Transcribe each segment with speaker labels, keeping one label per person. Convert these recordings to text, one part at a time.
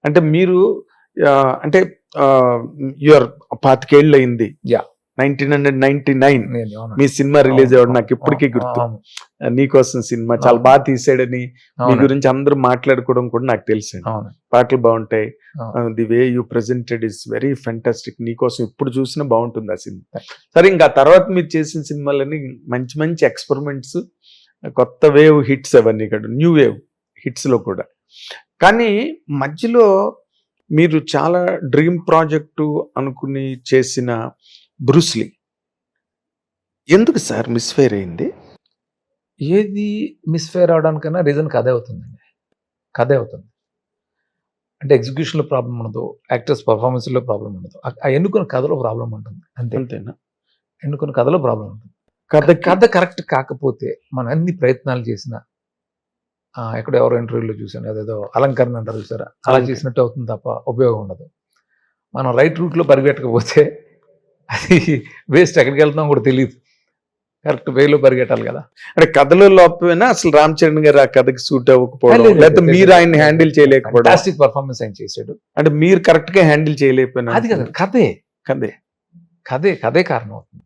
Speaker 1: అంటే మీరు అంటే యువర్ 25 ఏళ్ళు అయింది. 1999 మీ సినిమా రిలీజ్ అవ్వడం నాకు ఇప్పటికీ గుర్తు. నీకోసం సినిమా చాలా బాగా తీసాడని మీ గురించి అందరూ మాట్లాడుకోవడం కూడా నాకు తెలుసు. పాటలు బాగుంటాయి, the way you presented is very fantastic. నీకోసం ఇప్పుడు చూసినా బాగుంటుంది ఆ సినిమా. సరే, ఇంకా తర్వాత మీరు చేసిన సినిమాలని మంచి మంచి ఎక్స్పెరిమెంట్స్, కొత్త వేవ్ హిట్స్, అవన్నీ ఇక్కడ న్యూ వేవ్ హిట్స్ లో కూడా. కానీ మధ్యలో మీరు చాలా డ్రీమ్ ప్రాజెక్టు అనుకుని చేసిన బ్రూస్లీ ఎందుకు సార్ మిస్ఫైర్ అయింది?
Speaker 2: ఏది మిస్ఫైర్ అవడానికన్నా రీజన్ కథే అవుతుందండి. కథే అవుతుంది. అంటే ఎగ్జిక్యూషన్లో ప్రాబ్లం ఉండదు, యాక్టర్స్ పర్ఫార్మెన్స్లో ప్రాబ్లం ఉండదు, ఆ ఎన్నుకున్న కథలో ప్రాబ్లం ఉంటుంది.
Speaker 1: అంతేనా?
Speaker 2: ఎన్నుకున్న కథలో ప్రాబ్లం ఉంటుంది. కథ కరెక్ట్ కాకపోతే మనం అన్ని ప్రయత్నాలు చేసినా, ఎక్కడో ఎవరో ఇంటర్వ్యూలో చూసాను, అదేదో అలంకరణ అంటారు చూసారా, అలా చేసినట్టు అవుతుంది తప్ప ఉపయోగం ఉండదు. మనం రైట్ రూట్లో పరిగెట్టకపోతే అది వేస్ట్. ఎక్కడికి వెళ్తున్నాం కూడా తెలియదు. కరెక్ట్ వేలో పరిగెట్టాలి కదా.
Speaker 1: అంటే కథలో లోపమైనా అసలు రామ్ చరణ్ గారు ఆ కథకి సూట్ అవ్వకపోవడం, లేకపోతే మీరు ఆయన హ్యాండిల్ చేయలేకపోవడం.
Speaker 2: ఫాంటాస్టిక్ పర్ఫార్మెన్స్ ఆయన చేశాడు.
Speaker 1: అంటే మీరు కరెక్ట్ గా హ్యాండిల్ చేయలేకపోయినా
Speaker 2: అది కదా, కథే
Speaker 1: కథే
Speaker 2: కథే కథే కారణం అవుతుంది.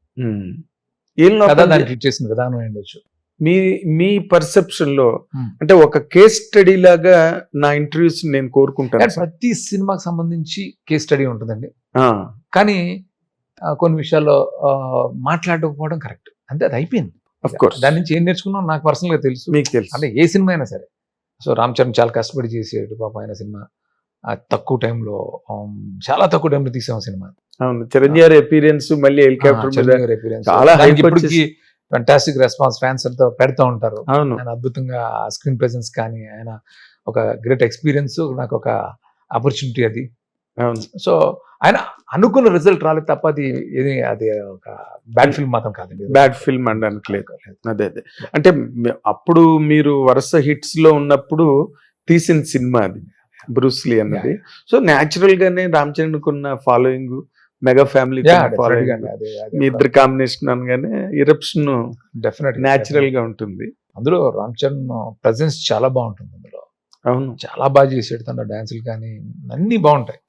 Speaker 2: ట్రీట్ చేసిన విధానం ఉండొచ్చు.
Speaker 1: మీ పర్సెప్షన్ లో అంటే ఒక కేస్ స్టడీ లాగా నా ఇంటర్వ్యూస్ నేను కోరుకుంటాను.
Speaker 2: ప్రతి సినిమాకి సంబంధించి కేస్ స్టడీ ఉంటుందండి. కానీ కొన్ని విషయాల్లో మాట్లాడకపోవడం కరెక్ట్ అంతే, అది అయిపోయింది. దాని నుంచి ఏం నేర్చుకున్నాం నాకు పర్సనల్ గా తెలుసు,
Speaker 1: మీకు తెలుసు.
Speaker 2: అంటే ఏ సినిమా అయినా సరే. సో రామ్ చరణ్ చాలా కష్టపడి చేసాడు పాప. ఆయన సినిమా తక్కువ టైంలో, చాలా తక్కువ టైంలో తీసాం సినిమా.
Speaker 1: అవును, చిరంజీవి అపీరియన్స్ మళ్ళీ హెలికాప్టర్ చాలా
Speaker 2: ఫెంటాస్టిక్ రెస్పాన్స్, ఫ్యాన్స్ అంతా పెడతా ఉంటారు.
Speaker 1: అవును,
Speaker 2: ఆయన అద్భుతంగా స్క్రీన్ ప్రెజెన్స్ కానీ, ఆయన ఒక గ్రేట్ ఎక్స్పీరియన్స్, నాకు ఒక ఆపర్చునిటీ అది. సో ఆయన అనుకున్న రిజల్ట్ రాలేదు తప్ప అది ఒక బ్యాడ్ ఫిల్మ్ మాత్రం కాదండి.
Speaker 1: బ్యాడ్ ఫిల్మ్ అనడానికి లేదు. అదే అంటే అప్పుడు మీరు వరుస హిట్స్ లో ఉన్నప్పుడు తీసిన సినిమా అది బ్రూస్లీ అన్నది. సో న్యాచురల్ గానే రామ్ చరణ్ కున్న ఫాలోయింగ్, మెగా ఫ్యామిలీ మీ ఇద్దరు కాంబినేషన్ అనగానే ఇరప్షన్
Speaker 2: డెఫినెట్
Speaker 1: న్యాచురల్ గా ఉంటుంది.
Speaker 2: అందులో రామ్ చరణ్ ప్రెజెన్స్ చాలా బాగుంటుంది అందులో.
Speaker 1: అవును,
Speaker 2: చాలా బాగా చేసాడు. తన డాన్సులు కానీ అన్ని బాగుంటాయి.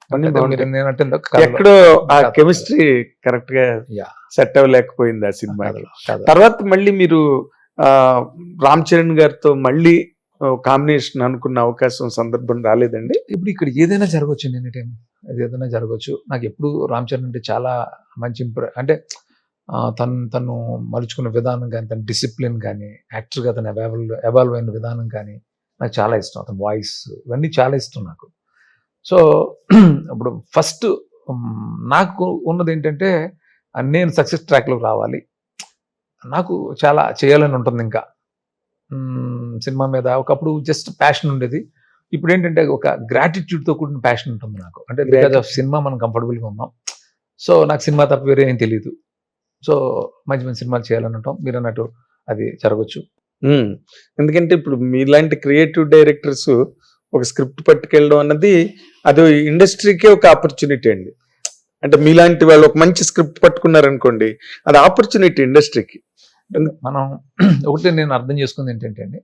Speaker 1: ఎక్కడో ఆ కెమిస్ట్రీ కరెక్ట్ గా సెట్ అవ్వలేకపోయింది ఆ సినిమా. తర్వాత మళ్ళీ మీరు రామ్ చరణ్ గారితో మళ్ళీ కాంబినేషన్ అనుకున్న అవకాశం, సందర్భం రాలేదండి?
Speaker 2: ఇప్పుడు ఇక్కడ ఏదైనా జరగవచ్చు, ఎనీ టైం ఏదైనా జరగవచ్చు. నాకు ఎప్పుడు రామ్ చరణ్ అంటే చాలా మంచి అంటే తను మలుచుకున్న విధానం కానీ, తన డిసిప్లిన్ కానీ, యాక్టర్గా తను ఎవాల్వ్ అయిన విధానం కానీ నాకు చాలా ఇష్టం. అతని వాయిస్ ఇవన్నీ చాలా ఇష్టం నాకు. సో ఇప్పుడు ఫస్ట్ నాకు ఉన్నది ఏంటంటే, నేను సక్సెస్ ట్రాక్లోకి రావాలి, నాకు చాలా చేయాలని ఉంటుంది. ఇంకా సినిమా మీద ఒకప్పుడు జస్ట్ ప్యాషన్ ఉండేది. ఇప్పుడు ఏంటంటే ఒక గ్రాటిట్యూడ్తో కూడిన ప్యాషన్ ఉంటుంది నాకు. అంటే బికాజ్ ఆఫ్ సినిమా మనం కంఫర్టబుల్గా ఉన్నాం. సో నాకు సినిమా తప్ప వేరే ఏం తెలియదు. సో మంచి మంచి సినిమాలు చేయాలని ఉంటాం. మీరు అన్నట్టు అది జరగచ్చు.
Speaker 1: ఎందుకంటే ఇప్పుడు మీలాంటి క్రియేటివ్ డైరెక్టర్స్ ఒక స్క్రిప్ట్ పట్టుకెళ్ళడం అన్నది అది ఇండస్ట్రీకే ఒక ఆపర్చునిటీ అండి. అంటే మీలాంటి వాళ్ళు ఒక మంచి స్క్రిప్ట్ పట్టుకున్నారనుకోండి, అది ఆపర్చునిటీ ఇండస్ట్రీకి.
Speaker 2: మనం ఒకటి నేను అర్థం చేసుకుంది ఏంటంటే అండి,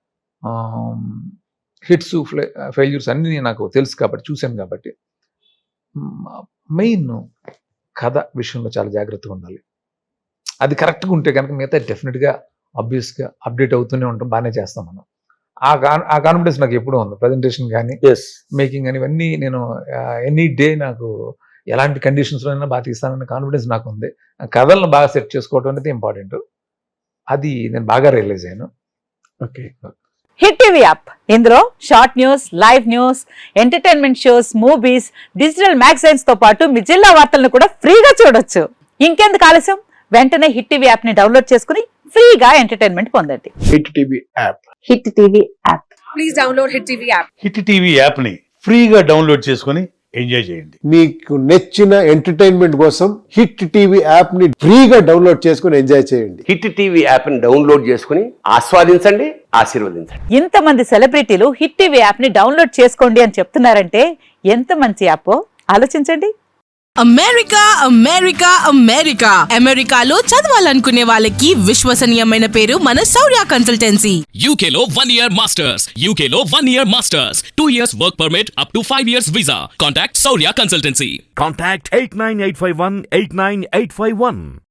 Speaker 2: హిట్స్ ఫెయిల్యూర్స్ అన్నీ నాకు తెలుసు కాబట్టి, చూశాను కాబట్టి, మెయిన్ కథ విషయంలో చాలా జాగ్రత్తగా ఉండాలి. అది కరెక్ట్గా ఉంటే కనుక మిగతా డెఫినెట్గా ఆబ్వియస్గా అప్డేట్ అవుతూనే ఉంటాం, బాగానే చేస్తాం మనం. ఆ కాన్ఫిడెన్స్ నాకు ఎప్పుడూ ఉంది. ప్రజెంటేషన్ కానీ, మేకింగ్ కానీ, ఇవన్నీ నేను ఎనీ డే నాకు ఎలాంటి కండిషన్స్లో అయినా బాగా తీస్తానన్న కాన్ఫిడెన్స్ నాకు ఉంది. కథలను బాగా సెట్ చేసుకోవడం అనేది ఇంపార్టెంట్. అది నేను బాగా రియలైజ్ అయ్యాను.
Speaker 1: ఓకే.
Speaker 3: హిట్ టీవీ యాప్, ఇందులో short news, live news, entertainment shows, movies, digital magazines తో పాటు మీ జిల్లా వార్తలను కూడా ఫ్రీగా చూడొచ్చు. ఇంకెందుకు ఆలస్యం, వెంటనే హిట్ టీవీ యాప్ ని డౌన్లోడ్ చేసుకుని ఫ్రీగా ఎంటర్టైన్మెంట్ పొందండి.
Speaker 1: Hit TV app.
Speaker 3: Hit TV app.
Speaker 4: Please download hit TV app.
Speaker 5: Hit TV app ని ఫ్రీగా డౌన్లోడ్ చేసుకుని ఎంజాయ్ చేయండి.
Speaker 6: మీకు నచ్చిన ఎంటర్టైన్మెంట్ కోసం హిట్ టీవీ యాప్ ని ఫ్రీగా డౌన్లోడ్ చేసుకుని ఎంజాయ్ చేయండి.
Speaker 7: హిట్ టీవీ యాప్ ని డౌన్లోడ్ చేసుకుని ఆస్వాదించండి, ఆశీర్వదించండి.
Speaker 3: ఇంతమంది సెలబ్రిటీలు హిట్ టీవీ యాప్ ని డౌన్లోడ్ చేసుకోండి అని చెప్తున్నారంటే ఎంత మంచి యాప్ ఆలోచించండి.
Speaker 8: అమెరికా అమెరికా అమెరికా అమెరికాలో చదవాలనుకునే వాళ్ళకి విశ్వసనీయమైన పేరు మన శౌర్య కన్సల్టెన్సీ.
Speaker 9: UK లో 1 year masters. UK లో 1 year masters. 2 years work permit up to 5 years visa. Contact Saurya Consultancy.
Speaker 10: Contact 89851 89851.